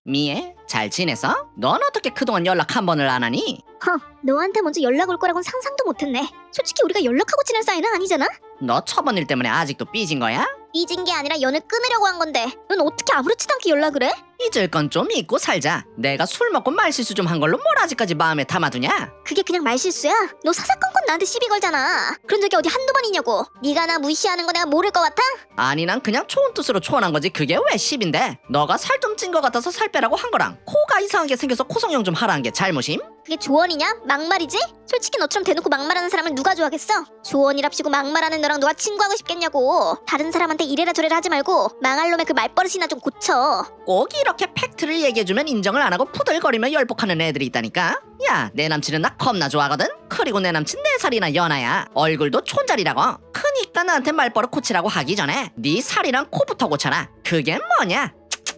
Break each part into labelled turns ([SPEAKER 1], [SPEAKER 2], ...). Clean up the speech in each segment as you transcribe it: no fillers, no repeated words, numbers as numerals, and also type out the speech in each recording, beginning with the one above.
[SPEAKER 1] 미애, 잘 지냈어? 넌 어떻게 그동안 연락 한 번을 안 하니?
[SPEAKER 2] 너한테 먼저 연락 올 거라고는 상상도 못했네. 솔직히 우리가 연락하고 지낼 사이는 아니잖아?
[SPEAKER 1] 너 처번 일 때문에 아직도 삐진 거야?
[SPEAKER 2] 삐진 게 아니라 연을 끊으려고 한 건데 넌 어떻게 아무렇지도 않게 연락을 해?
[SPEAKER 1] 잊을 건 좀 잊고 살자. 내가 술 먹고 말실수 좀 한 걸로 뭘 아직까지 마음에 담아두냐?
[SPEAKER 2] 그게 그냥 말실수야? 너 사사건건 나한테 시비 걸잖아. 그런 적이 어디 한두 번이냐고. 네가 나 무시하는 거 내가 모를 것 같아?
[SPEAKER 1] 아니 난 그냥 좋은 뜻으로 초원한 거지 그게 왜 10인데? 너가 살 좀 찐 거 같아서 살 빼라고 한 거랑 코가 이상하게 생겨서 코성형 좀 하라는 게 잘못임?
[SPEAKER 2] 그게 조언이냐? 막말이지? 솔직히 너처럼 대놓고 막말하는 사람을 누가 좋아하겠어? 조언이랍시고 막말하는 너랑 누가 친구하고 싶겠냐고. 다른 사람한테 이래라 저래라 하지 말고 망할 놈의 그 말버릇이나 좀 고쳐.
[SPEAKER 1] 꼭 이렇게 팩트를 얘기해주면 인정을 안 하고 푸들거리며 열폭하는 애들이 있다니까? 야, 내 남친은 나 겁나 좋아하거든? 그리고 내 남친 4살이나 연하야. 얼굴도 촌자리라고. 크니까 나한테 말버릇 고치라고 하기 전에 네 살이랑 코부터 고쳐라. 그게 뭐냐?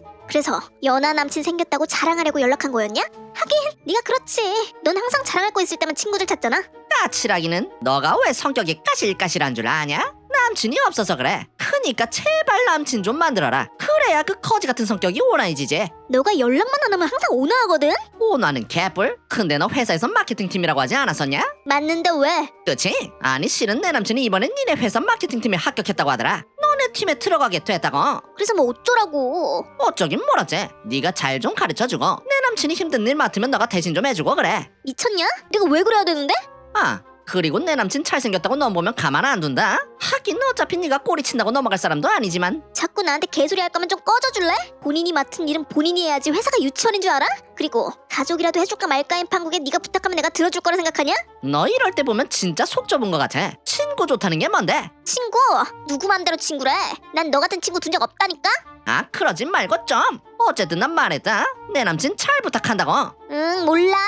[SPEAKER 2] 그래서 연하 남친 생겼다고 자랑하려고 연락한 거였냐? 하긴 네가 그렇지. 넌 항상 자랑할 거 있을 때만 친구들 찾잖아.
[SPEAKER 1] 까칠하기는 너가 왜 성격이 까실까실한 줄 아냐? 남친이 없어서 그래. 크니까 제발 남친 좀 만들어라. 그래야 그 거지 같은 성격이 온화해지지.
[SPEAKER 2] 너가 연락만 안 하면 항상 온화하거든?
[SPEAKER 1] 온화는 개뿔? 근데 너 회사에서 마케팅팀이라고 하지 않았었냐?
[SPEAKER 2] 맞는데 왜?
[SPEAKER 1] 그치? 아니 실은 내 남친이 이번엔 니네 회사 마케팅팀에 합격했다고 하더라. 너네 팀에 들어가게 됐다고.
[SPEAKER 2] 그래서 뭐 어쩌라고.
[SPEAKER 1] 어쩌긴 뭐라지. 네가 잘 좀 가르쳐주고 내 남친이 힘든 일 맡으면 너가 대신 좀 해주고 그래.
[SPEAKER 2] 미쳤냐? 내가 왜 그래야 되는데?
[SPEAKER 1] 아 그리고 내 남친 잘생겼다고 너 보면 가만 안 둔다. 하긴 어차피 네가 꼬리 친다고 넘어갈 사람도 아니지만.
[SPEAKER 2] 자꾸 나한테 개소리 할 거면 좀 꺼져줄래? 본인이 맡은 일은 본인이 해야지 회사가 유치원인 줄 알아? 그리고 가족이라도 해줄까 말까인 판국에 네가 부탁하면 내가 들어줄 거라 생각하냐?
[SPEAKER 1] 너 이럴 때 보면 진짜 속 좁은 거 같아. 친구 좋다는 게 뭔데?
[SPEAKER 2] 친구? 누구 맘대로 친구래? 난 너 같은 친구 둔 적 없다니까?
[SPEAKER 1] 아 그러지 말고 좀. 어쨌든 난 말했다. 내 남친 잘 부탁한다고.
[SPEAKER 2] 응 몰라.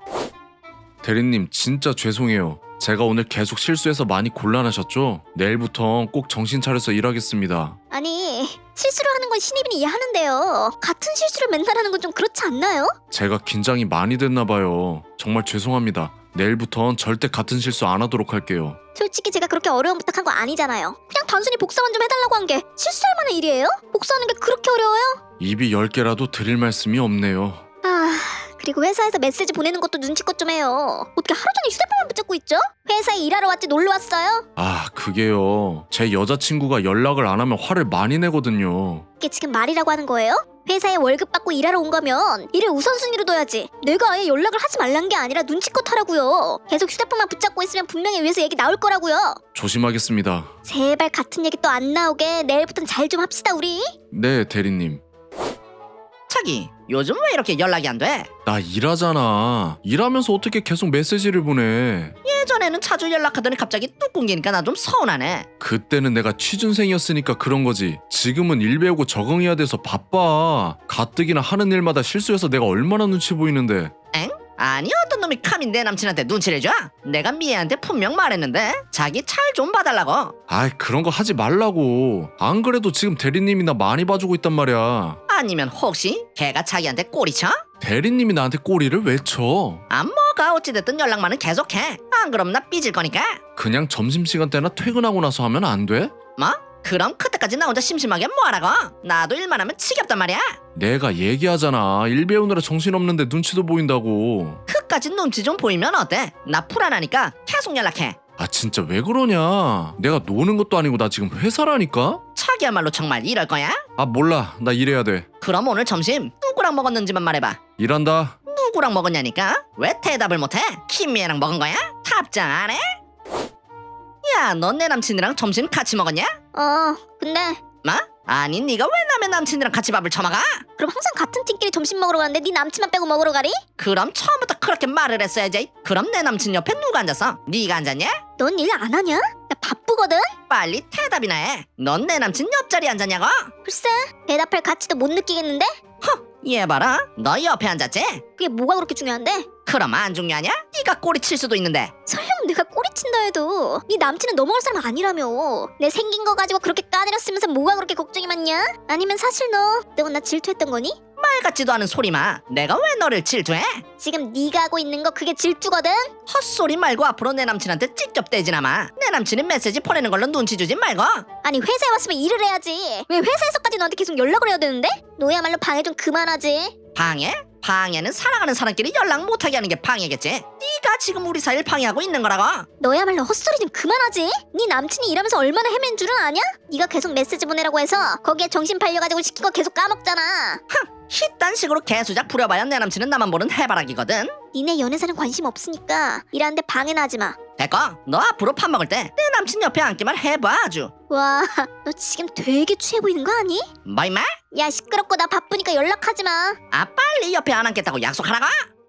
[SPEAKER 3] 대리님 진짜 죄송해요. 제가 오늘 계속 실수해서 많이 곤란하셨죠? 내일부터 꼭 정신 차려서 일하겠습니다.
[SPEAKER 2] 아니 실수를 하는 건 신입이 이해하는데요. 같은 실수를 맨날 하는 건 좀 그렇지 않나요?
[SPEAKER 3] 제가 긴장이 많이 됐나 봐요. 정말 죄송합니다. 내일부턴 절대 같은 실수 안 하도록 할게요.
[SPEAKER 2] 솔직히 제가 그렇게 어려운 부탁한 거 아니잖아요. 그냥 단순히 복사만 좀 해달라고 한 게 실수할 만한 일이에요? 복사하는 게 그렇게 어려워요?
[SPEAKER 3] 입이 10개라도 드릴 말씀이 없네요.
[SPEAKER 2] 그리고 회사에서 메시지 보내는 것도 눈치껏 좀 해요. 어떻게 하루 종일 휴대폰만 붙잡고 있죠? 회사에 일하러 왔지 놀러 왔어요?
[SPEAKER 3] 그게요. 제 여자친구가 연락을 안 하면 화를 많이 내거든요.
[SPEAKER 2] 이게 지금 말이라고 하는 거예요? 회사에 월급 받고 일하러 온 거면 일을 우선순위로 둬야지. 내가 아예 연락을 하지 말란 게 아니라 눈치껏 하라고요. 계속 휴대폰만 붙잡고 있으면 분명히 위에서 얘기 나올 거라고요.
[SPEAKER 3] 조심하겠습니다.
[SPEAKER 2] 제발 같은 얘기 또 안 나오게 내일부터는 잘 좀 합시다 우리.
[SPEAKER 3] 네, 대리님.
[SPEAKER 1] 자기 요즘 왜 이렇게 연락이 안 돼?
[SPEAKER 3] 나 일하잖아. 일하면서 어떻게 계속 메시지를 보내.
[SPEAKER 1] 예전에는 자주 연락하더니 갑자기 뚝 끊기니까 나 좀 서운하네.
[SPEAKER 3] 그때는 내가 취준생이었으니까 그런 거지. 지금은 일 배우고 적응해야 돼서 바빠. 가뜩이나 하는 일마다 실수해서 내가 얼마나 눈치 보이는데.
[SPEAKER 1] 엥? 아니 어떤 놈이 감히 내 남친한테 눈치를 줘? 내가 미애한테 분명 말했는데 자기 찰 좀 봐달라고.
[SPEAKER 3] 그런 거 하지 말라고. 안 그래도 지금 대리님이 나 많이 봐주고 있단 말이야.
[SPEAKER 1] 아니면 혹시 걔가 자기한테 꼬리 쳐?
[SPEAKER 3] 대리님이 나한테 꼬리를 왜 쳐?
[SPEAKER 1] 뭐가 어찌됐든 연락만은 계속해. 안 그럼 나 삐질 거니까.
[SPEAKER 3] 그냥 점심시간 때나 퇴근하고 나서 하면 안 돼?
[SPEAKER 1] 뭐? 그럼 그때까지 나 혼자 심심하게 뭐하라고? 나도 일만 하면 지겹단 말이야.
[SPEAKER 3] 내가 얘기하잖아. 일 배우느라 정신없는데 눈치도 보인다고.
[SPEAKER 1] 그까짓 눈치 좀 보이면 어때? 나 불안하니까 계속 연락해.
[SPEAKER 3] 진짜 왜 그러냐. 내가 노는 것도 아니고 나 지금 회사라니까?
[SPEAKER 1] 자기야말로 정말 이럴 거야?
[SPEAKER 3] 몰라. 나 일해야 돼.
[SPEAKER 1] 그럼 오늘 점심 누구랑 먹었는지만 말해봐.
[SPEAKER 3] 일한다.
[SPEAKER 1] 누구랑 먹었냐니까? 왜 대답을 못해? 김미애랑 먹은 거야? 답장 안 해? 야, 넌 내 남친이랑 점심 같이 먹었냐?
[SPEAKER 2] 근데
[SPEAKER 1] 뭐? 아니 네가 왜 남의 남친이랑 같이 밥을 처먹어?
[SPEAKER 2] 그럼 항상 같은 팀끼리 점심 먹으러 가는데 네 남친만 빼고 먹으러 가리?
[SPEAKER 1] 그럼 처음부터 그렇게 말을 했어야지. 그럼 내 남친 옆에 누가 앉았어? 네가 앉았냐?
[SPEAKER 2] 넌 일 안 하냐? 나 바쁘거든?
[SPEAKER 1] 빨리 대답이나 해. 넌 내 남친 옆자리에 앉았냐고?
[SPEAKER 2] 글쎄 대답할 가치도 못 느끼겠는데?
[SPEAKER 1] 얘 봐라, 너 옆에 앉았지?
[SPEAKER 2] 그게 뭐가 그렇게 중요한데?
[SPEAKER 1] 그럼 안 중요하냐? 네가 꼬리 칠 수도 있는데.
[SPEAKER 2] 설령 내가 꼬리친다 해도 네 남친은 넘어갈 사람 아니라며. 내 생긴 거 가지고 그렇게 까내렸으면서 뭐가 그렇게 걱정이 많냐? 아니면 사실 너 때문에 나 질투했던 거니?
[SPEAKER 1] 말 같지도 않은 소리 마. 내가 왜 너를 질투해?
[SPEAKER 2] 지금 네가 하고 있는 거 그게 질투거든?
[SPEAKER 1] 헛소리 말고 앞으로 내 남친한테 직접 대지나 마. 내 남친이 메시지 보내는 걸로 눈치 주지 말고.
[SPEAKER 2] 아니 회사에 왔으면 일을 해야지. 왜 회사에서까지 너한테 계속 연락을 해야 되는데? 너야말로 방해 좀 그만하지.
[SPEAKER 1] 방해? 방해는 사랑하는 사람끼리 연락 못하게 하는 게 방해겠지. 네가 지금 우리 사이를 방해하고 있는 거라고.
[SPEAKER 2] 너야말로 헛소리 좀 그만하지. 네 남친이 일하면서 얼마나 헤맨 줄은 아냐? 네가 계속 메시지 보내라고 해서 거기에 정신 팔려가지고 시킨 거 계속 까먹잖아.
[SPEAKER 1] 이딴 식으로 개수작 부려봐야 내 남친은 나만 보는 해바라기거든.
[SPEAKER 2] 니네 연애사는 관심 없으니까 일하는데 방해나 하지 마.
[SPEAKER 1] 됐고, 너 앞으로 밥 먹을 때 내 남친 옆에 앉기만 해봐 아주.
[SPEAKER 2] 와, 너 지금 되게 취해 보이는 거 아니?
[SPEAKER 1] 뭐 임마?
[SPEAKER 2] 야 시끄럽고 나 바쁘니까 연락하지 마.
[SPEAKER 1] 아 빨리 옆에 안 앉겠다고 약속하라고?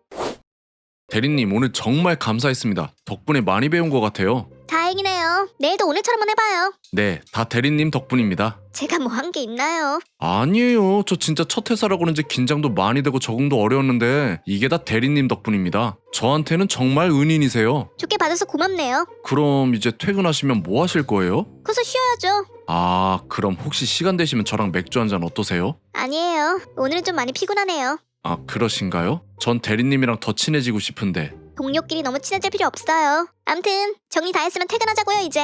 [SPEAKER 3] 대리님 오늘 정말 감사했습니다. 덕분에 많이 배운 것 같아요.
[SPEAKER 2] 다행이네요. 내일도 오늘처럼만 해봐요.
[SPEAKER 3] 네, 다 대리님 덕분입니다.
[SPEAKER 2] 제가 뭐 한 게 있나요?
[SPEAKER 3] 아니에요. 저 진짜 첫 회사라 그런지 긴장도 많이 되고 적응도 어려웠는데 이게 다 대리님 덕분입니다. 저한테는 정말 은인이세요.
[SPEAKER 2] 좋게 봐줘서 고맙네요.
[SPEAKER 3] 그럼 이제 퇴근하시면 뭐 하실 거예요?
[SPEAKER 2] 커서 쉬어야죠.
[SPEAKER 3] 아, 그럼 혹시 시간 되시면 저랑 맥주 한잔 어떠세요?
[SPEAKER 2] 아니에요. 오늘은 좀 많이 피곤하네요.
[SPEAKER 3] 아, 그러신가요? 전 대리님이랑 더 친해지고 싶은데.
[SPEAKER 2] 동료끼리 너무 친해질 필요 없어요. 암튼 정리 다 했으면 퇴근하자고요 이제.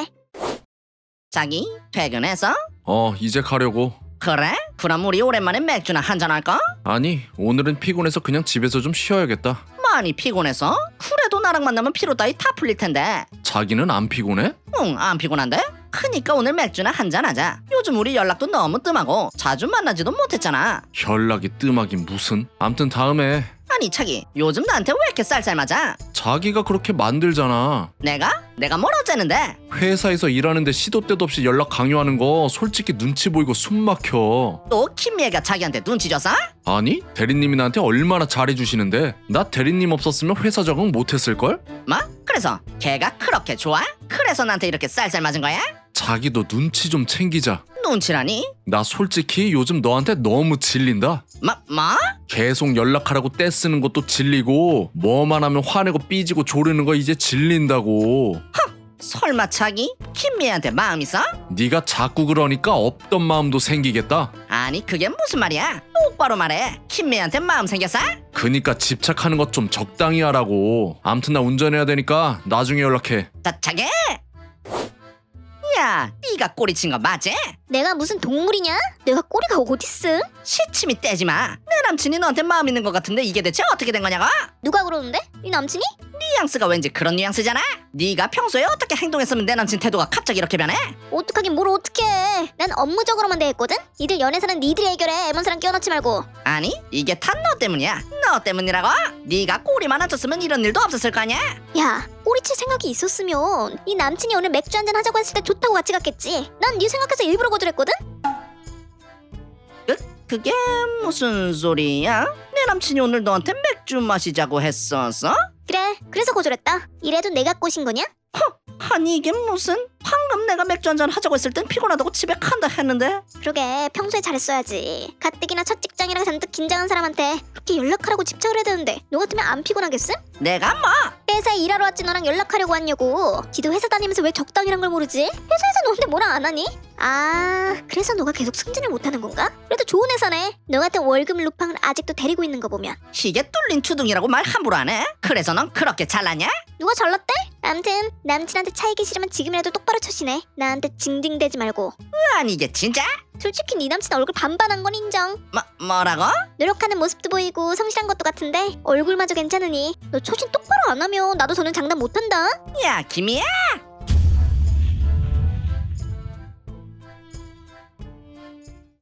[SPEAKER 1] 자기 퇴근해서?
[SPEAKER 3] 이제 가려고.
[SPEAKER 1] 그래? 그럼 우리 오랜만에 맥주나 한잔 할까?
[SPEAKER 3] 아니, 오늘은 피곤해서 그냥 집에서 좀 쉬어야겠다.
[SPEAKER 1] 많이 피곤해서? 그래도 나랑 만나면 피로 따위 다 풀릴 텐데.
[SPEAKER 3] 자기는 안 피곤해?
[SPEAKER 1] 응, 안 피곤한데? 그니까 오늘 맥주나 한잔 하자. 요즘 우리 연락도 너무 뜸하고 자주 만나지도 못했잖아.
[SPEAKER 3] 연락이 뜸하긴 무슨. 암튼 다음에.
[SPEAKER 1] 아니 차기, 요즘 나한테 왜 이렇게 쌀쌀맞아?
[SPEAKER 3] 자기가 그렇게 만들잖아.
[SPEAKER 1] 내가? 내가 뭘 어쨌는데?
[SPEAKER 3] 회사에서 일하는데 시도 때도 없이 연락 강요하는 거 솔직히 눈치 보이고 숨 막혀.
[SPEAKER 1] 또 김미애가 자기한테 눈치 줬어?
[SPEAKER 3] 아니, 대리님이 나한테 얼마나 잘해주시는데 나 대리님 없었으면 회사 적응 못했을걸?
[SPEAKER 1] 뭐? 그래서 걔가 그렇게 좋아? 그래서 나한테 이렇게 쌀쌀맞은 거야?
[SPEAKER 3] 자기도 눈치 좀 챙기자.
[SPEAKER 1] 눈치라니?
[SPEAKER 3] 나 솔직히 요즘 너한테 너무 질린다.
[SPEAKER 1] 뭐?
[SPEAKER 3] 계속 연락하라고 떼쓰는 것도 질리고 뭐만 하면 화내고 삐지고 조르는 거 이제 질린다고.
[SPEAKER 1] 설마 차기? 김미애한테 마음 있어?
[SPEAKER 3] 네가 자꾸 그러니까 없던 마음도 생기겠다.
[SPEAKER 1] 아니 그게 무슨 말이야? 똑바로 말해. 김미애한테 마음 생겼어?
[SPEAKER 3] 그니까 집착하는 것 좀 적당히 하라고. 암튼 나 운전해야 되니까 나중에 연락해.
[SPEAKER 1] 자차게? 야, 네가 꼬리친 거 맞지?
[SPEAKER 2] 내가 무슨 동물이냐? 내가 꼬리가 어딨음?
[SPEAKER 1] 시침이 떼지 마. 내 남친이 너한테 마음 있는 것 같은데 이게 대체 어떻게 된 거냐고?
[SPEAKER 2] 누가 그러는데? 네 남친이?
[SPEAKER 1] 뉘앙스가 왠지 그런 뉘앙스잖아. 네가 평소에 어떻게 행동했으면 내 남친 태도가 갑자기 이렇게 변해?
[SPEAKER 2] 어떡하긴 뭘 어떡해. 난 업무적으로만 대했거든? 니들 연애사는 니들이 해결해. 애먼 사람 끼워넣지 말고.
[SPEAKER 1] 아니 이게 다 너 때문이야. 너 때문이라고? 네가 꼬리만 안 쳤으면 이런 일도 없었을 거 아니야?
[SPEAKER 2] 야, 꼬리칠 생각이 있었으면 네 남친이 오늘 맥주 한잔 하자고 했을 때 좋다고 같이 갔겠지. 난 네 생각해서 일부러 거절했거든?
[SPEAKER 1] 그게 무슨 소리야? 내 남친이 오늘 너한테 맥주 마시자고 했었어?
[SPEAKER 2] 그래, 그래서 거절했다. 이래도 내가 꼬신 거냐?
[SPEAKER 1] 아니 이게 무슨? 방금 내가 맥주 한잔 하자고 했을 땐 피곤하다고 집에 간다 했는데.
[SPEAKER 2] 그러게, 평소에 잘했어야지. 가뜩이나 첫 직장이라 잔뜩 긴장한 사람한테 그렇게 연락하라고 집착을 해야 되는데 너 같으면 안 피곤하겠음?
[SPEAKER 1] 내가 뭐?
[SPEAKER 2] 회사에 일하러 왔지 너랑 연락하려고 왔냐고. 지도 회사 다니면서 왜 적당이란 걸 모르지? 회사에서 너한테 뭐라 안 하니? 아, 그래서 너가 계속 승진을 못하는 건가? 그래도 좋은 회사네. 너 같은 월급 루팡을 아직도 데리고 있는 거 보면.
[SPEAKER 1] 이게 뚫린 주둥이라고 말 함부로 안 해? 그래서 넌 그렇게 잘났냐?
[SPEAKER 2] 누가 잘났대? 암튼 남친한테 차이기 싫으면 지금이라도 똑바로 쳐시네. 나한테 징징대지 말고.
[SPEAKER 1] 아니 이게 진짜?
[SPEAKER 2] 솔직히 네 남친 얼굴 반반한 건 인정.
[SPEAKER 1] 뭐라고?
[SPEAKER 2] 노력하는 모습도 보이고 성실한 것도 같은데 얼굴마저 괜찮으니 너 초신 똑바로 안 하면 나도 더는 장담 못한다.
[SPEAKER 1] 야 김이야,